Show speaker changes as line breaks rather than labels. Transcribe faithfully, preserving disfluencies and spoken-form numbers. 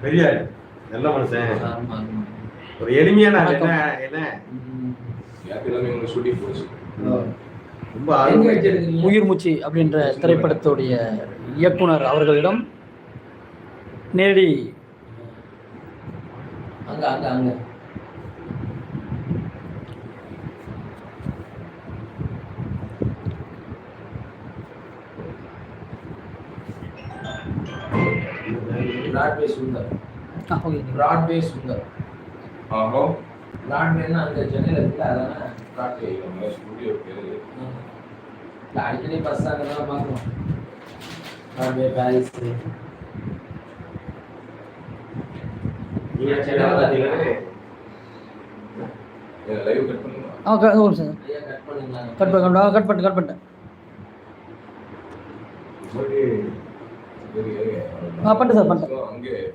பெரிய நல்ல மனுஷன். ஒரு எளிமையான என்ன என்ன ரொம்ப
உயிர் மூச்சு அப்படின்ற திரைப்படத்துடைய இயக்குனர் அவர்களிடம் நேரடி
அங்க அங்க அங்க Broadway Sundar.
Okay,
Broadway Sundar.
ஆஹோ,
பிராட்வேன்னா அந்த சென்னையில் இருக்குல்ல, அதானே பிராட்வே
ஸ்டுடியோ பேரு.
இல்லை, அடிக்கடி பஸ் அங்கே தான் பார்க்கணும். Broadway, Paris.
லைவ் கட் பண்ணுங்க.
ஆ ஒரு சார்
ஐயா கட் பண்ணுங்களா?
கட் பண்ண கட் பண்ணு கட் பண்ணிட்டேன்.
சரி,
ஆ பண்ணிட்டேன் சார் பண்ணிட்டேன்.
அங்கே